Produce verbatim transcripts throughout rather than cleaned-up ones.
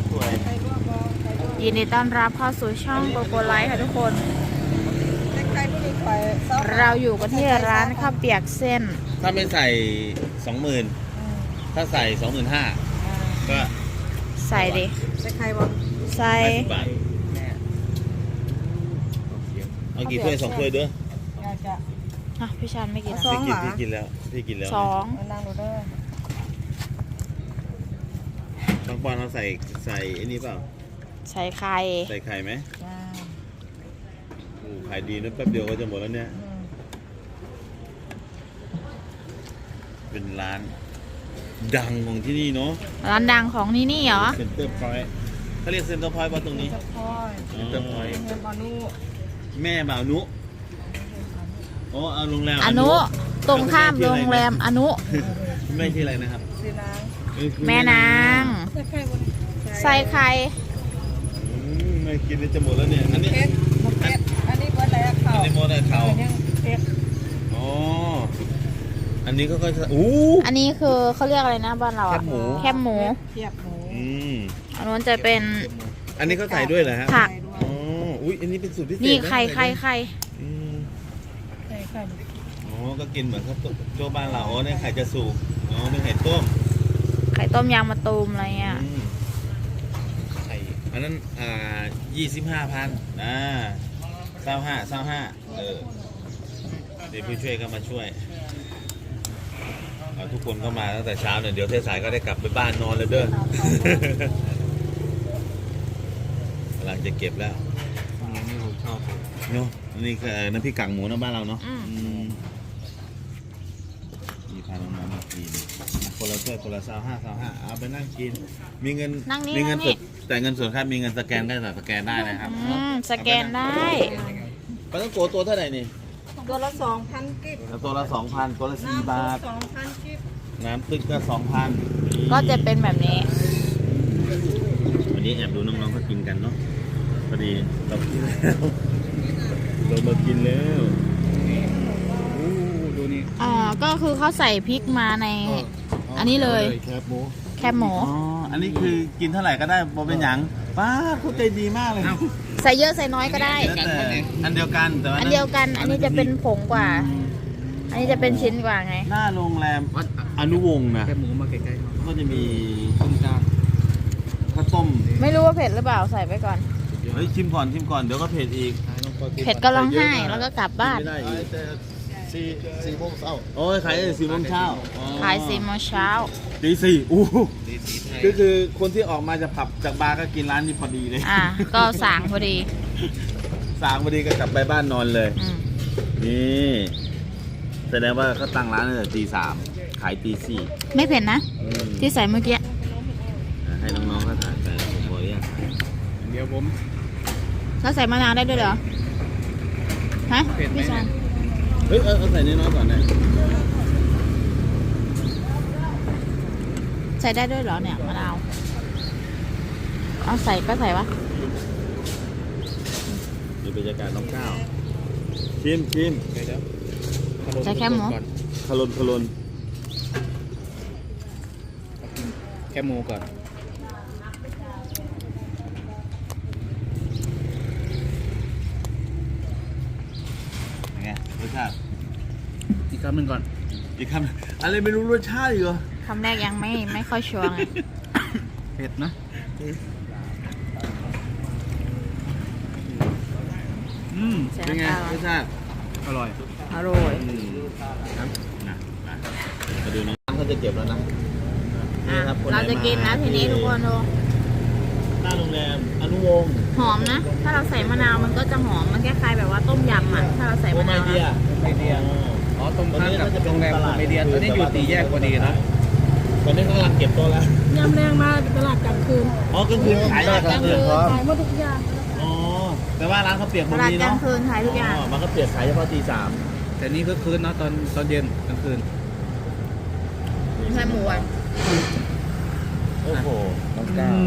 สวยยินดีต้อนรับเข้าสู่ช่องโกโกไลท์ค่ะทุกคนเราอยู่กันที่ร้านข้าวเปียกเส้นถ้าไม่ใส่สองหมื่นถ้าใส่สองหมื่นห้าก็ใส่ดิใส่ไข่บ่ใส่บาทเอากี่ถ้วยสองถ้วยด้วยอ่ะพี่ชันไม่กินพี่กินพี่กินแล้วพี่กินแล้วสองนั่งดูเด้อบางปอนเราใส่ใส่ไอ้นี่เปล่าใส่ไข่ใส่ไข่ไหมโอ้ขายดีนะแป๊บเดียวก็จะหมดแล้วเนี่ยเป็นร้านดังของที่นี่เนาะร้านดังของนี่นี่เหรอเซ็นเตอร์พอยต์เขาเรียกเซ็นเตอร์พอยต์ป่ะตรงนี้เซ็นเตอร์พอยต์แม่บ่าวนุโอ้เอาโรงแรมอนุตรงข้ามโรงแรมอนุแม่ชื่ออะไรนะครับแม่นางใส่ไข่ไม่กินจะหมดแล้วเนี่ยอันนี้อันนี้หมดแล้วเขาอันนี้หมดแล้วเขาอ๋ออันนี้ก็ค่อยอู้อันนี้คือเขาเรียกอะไรนะบ้านเราอะแคบหมูแคบหมูอืมอันนู้นจะเป็นอันนี้เขาใส่ด้วยเหรอฮะผักอ๋ออุ้ยอันนี้เป็นสูตรพิเศษนี่ไข่ไข่ไข่ไข่ไข่อ๋อก็กินเหมือนข้าวต้มโจบ้านเราอ๋อเนี่ยไข่จะสุกอ๋อเป็นไข่ต้มไข่ต้มยางมะตูมอะไรเงี้ยไข่อันนั้นอ่ายี่สิบห้าพันอ่าเศร้าห้าเศร้าห้าเออเดี๋ยวผู้ช่วยก็มาช่วยทุกคนก็มาตั้งแต่เช้าเนี่ยเดี๋ยวเทศสายก็ได้กลับไปบ้านนอนแล้วเด้อกำลังจะเก็บแล้วนี่ผมชอบเนาะนี่คือน้ำพริกกากหมูนะบ้านเราเนาะมีพาน้องๆมากินคนละถ้วยคนละซาวห้าซาวห้าเอาไปนั่งกินมีเงินมีเงินสดแต่เงินส่วนครับมีเงินสแกนก็สแกนได้นะครับสแกนได้ปลาต้องโกตัวเท่าไหร่นี่ตัวละสองพันกิบตัวละสองพันตัวละสี่บาทสองพันกิบน้ำตึกก็สองพันก็จะเป็นแบบนี้วันนี้แอบดูน้องๆเขากินกันเนาะพอดีเรากินแล้วเรามากินแล้วดูนี่อ๋อก็คือเขาใส่พริกมาในอันนี้เลยแคบหมูแคบหมูอ๋ออันนี้คือกินเท่าไหร่ก็ได้บ่เป็นหยังป้าเขาใจดีมากเลยใส่เยอะใส่น้อยก็ได้อันเดียวกันแต่อันเดียวกันอันนี้จะเป็นผงกว่าอันนี้จะเป็นชิ้นกว่าไงหน้าโรงแรมอนุวงศ์นะแคบหมูมาใกล้ๆก็จะมีต้มจานข้าวต้มไม่รู้ว่าเผ็ดหรือเปล่าใส่ไปก่อนเฮ้ยชิมก่อนชิมก่อนเดี๋ยวก็เผ็ดอีกเผ็ดก็ร้องไห้แล้วก็กลับบ้านสี่สี่โมงเช้าโอ้ยขายสี่โมงเช้าขายสี่โมงเช้าตีสี่อู้ก็คือคนที่ออกมาจากผับจากบาร์ก็กินร้านนี้พอดีเลยอ่าก็สางพอดีสางพอดีก็กลับไปบ้านนอนเลยนี่แสดงว่าเขาตั้งร้านตั้งแต่ตีสามขายตีสี่ไม่เผ็ดนะที่ใส่เมื่อกี้ให้น้องๆเขาถ่ายไปผมบอกเนี่ยเดี๋ยวผมแล้วใส่มะนาวได้ด้วยเหรอฮะพี่ชายเฮ้ยเออใส่น้อยๆก่อนนะใส่ได้ด้วยเหรอเนี่ยมะนาวเอาใส่ก็ใส่วะดูบรรยากาศน้องข้าวชิมชิมใส่แคบหมูขลุนขลุนแคบหมูก่อนยังไงรสชาติอีกคำหนึ่งก่อนอีกคำอะไรไม่รู้รสชาติเหรอคำแรกยังไม่ไม่ค่อยชัวร์ไงเผ็ดนะอืมเป็นไงรสชาติอร่อยอร่อยครับนะมาดูน้องเขาจะเก็บแล้วนะเราจะกินนะทีนี้ทุกคนดูหน้าโรงแรมอนุวงศ์หอมนะถ้าเราใส่มะนาวมันก็จะหอมมันคล้ายๆแบบว่าต้มยำอ่ะถ้าเราใส่มะนาวไมเดียไมเดียอ๋อตรงข้ามกับโรงแรมไมเดียตอนนี้อยู่ตีแยกพอดีนะตอนนี้กำลังเก็บตัวแล้วยำแรงมาตลาดกลางคืนอ๋อกลางคืนขายกลางคืนขายหมดทุกอย่างอ๋อแต่ว่าร้านเขาเปียกหมดนี้เนาะตลาดกลางคืนขายทุกอย่างมันก็เปียกขายเฉพาะตีสามแต่นี่ก็คืนเนาะตอนตอนเย็นกลางคืนใช่หมูอ่ะโอ้โหน้องก้าว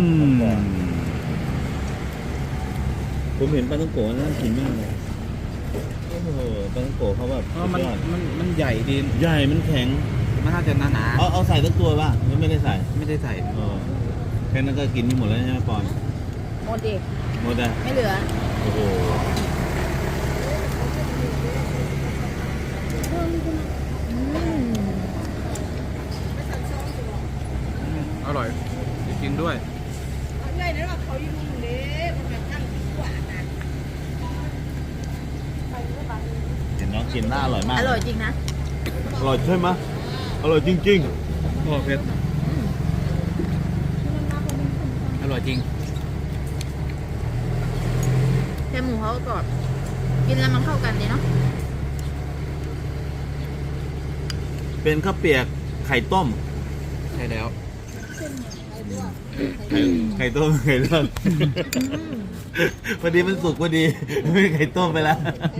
ผมเห็นปลาต้องโกะน่ากินมากเลยโอ้โหปลาต้องโกะเขาแบบมันมันมันใหญ่ดีใหญ่มันแข็งมันน่าจะหนาหนาเอาเอาใส่ตั้งตัวป่ะไม่ได้ใส่ไม่ได้ใส่อ๋อค่นั้นก็กินไม่หมดแล้วใช่ไหมปอนหมดดิหมดอ่ะไม่เหลือโอ้โหอืมอร่อยจริงๆด้วยเห็นน้องกินน่าอร่อยมากอร่อยจริงนะอร่อยใช่ไหมอร่อยจริงโอ้เผ็ดอร่อยจริงแค่หมูเขาก็กรอบกินแล้วมันเข้ากันดีเนาะๆ เป็นข้าวเปียกไข่ต้มใช่แล้วไข่ไข่ต้มไข่ต้มพอดีมันสุกพอดีไม่ไข่ต้มไปแล้ว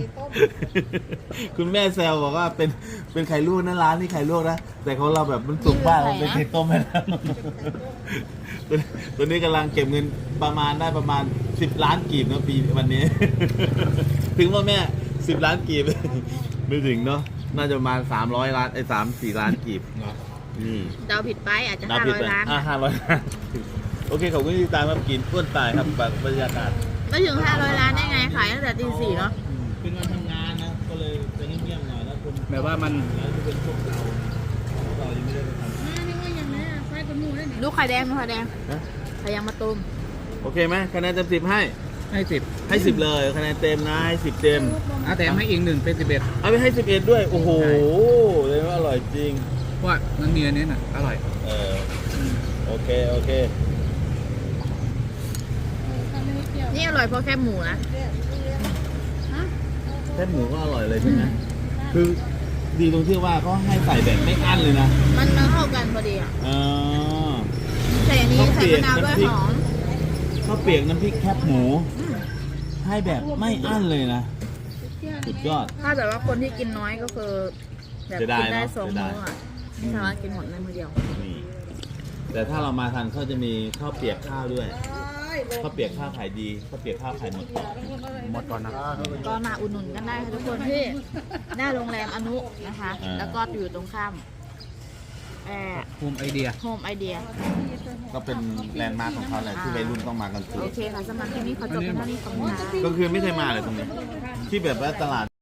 คุณแม่แซวบอกว่าเป็นเป็นไข่ลวกนะร้านนี่ไข่ลวกนะแต่ของเราแบบมันสุกมากมันเป็นไข่ต้มไปแล้ว ตัวตัวนี้กำลังเก็บเงินประมาณได้ประมาณสิบล้านกีบนะปีวันนี้ ถึงว่าแม่สิบล้านกีบ ไม่ถึงเนาะน่าจะประมาณสามร้อยล้านไอ้สามสี่ล้านกีบเนาะนี่เดาผิดไปอาจจะนับห้าผิดร้อยไปล้านอ่าห้าร้อยล้าน โอเคขอบคุณที่ติดตามครับกินอ้วนตายครับบรรยากาศไม่ถึงห้าร้อยล้านได้ไงขายตั้งแต่ตีสี่เนาะเป็นวันทำงานนะ ก็เลยจะเงียบๆหน่อยแล้วคุณแบบว่ามันแล้วที่เป็นพวกเราเรายังไม่ได้ไปทลูกไข่แดงลูกไข่แดงำนะไข่ยางมะตูมโอเคไหมคะแนนเต็มสิบให้ให้สิบให้สิบเลยคะแนนเต็มนะให้สิบเต็มอ่ะแต่ให้อีกหนึ่งเป็นสิบเอ็ดเอาไปให้สิบเอ็ดด้วย โอ้โหเลยว่าอร่อยจริงเพราะว่ามันมีอันนี้น่ะอร่อยเออโอเค โอเคนี่อร่อยเพราะแค่หมูนะแค่หมูก็อร่อยเลยใช่ไหมคือดีตรงที่ว่าเขาให้ใส่แบบไม่อั้นเลยนะมันมันเข้ากันพอดีอ่ะเออใส่อันนี้ใส่มะนาวด้วยหอมข้าวเปียกน้ำพริกแคบหมู ให้แบบไม่อั้นเลยนะ สุดยอดถ้าแบบว่าคนที่กินน้อยก็คือแบบเสียดายกินได้เนอะสองเสียดายมื้ออ่ะไม่สามารถกินหมดในมื้อเดียวนี่แต่ถ้าเรามาทันเขาจะมีข้าวเปียกข้าวด้วย ข้าวเปียกข้าวขายดี ข้าวเปียกข้าวขายหมดหมดก่อนนะก็มาอุดหนุนกันได้ค่ะทุกคนที่หน้าโรงแรมอนุนะคะอ่าแล้วก็อยู่ตรงข้ามแอร์ภูมิไอเดียโฮมไอเดียก็เป็นแลนด์มาร์คของเขาแหละที่วัยรุ่นต้องมากันซื้โออเคค่ะสำหรับที่นี้ขอจบเพียงเท่านี้ขอบคุณค่ะก็คือไม่เคยมาเลยตรงนี้ ที่แบบว่าตลาด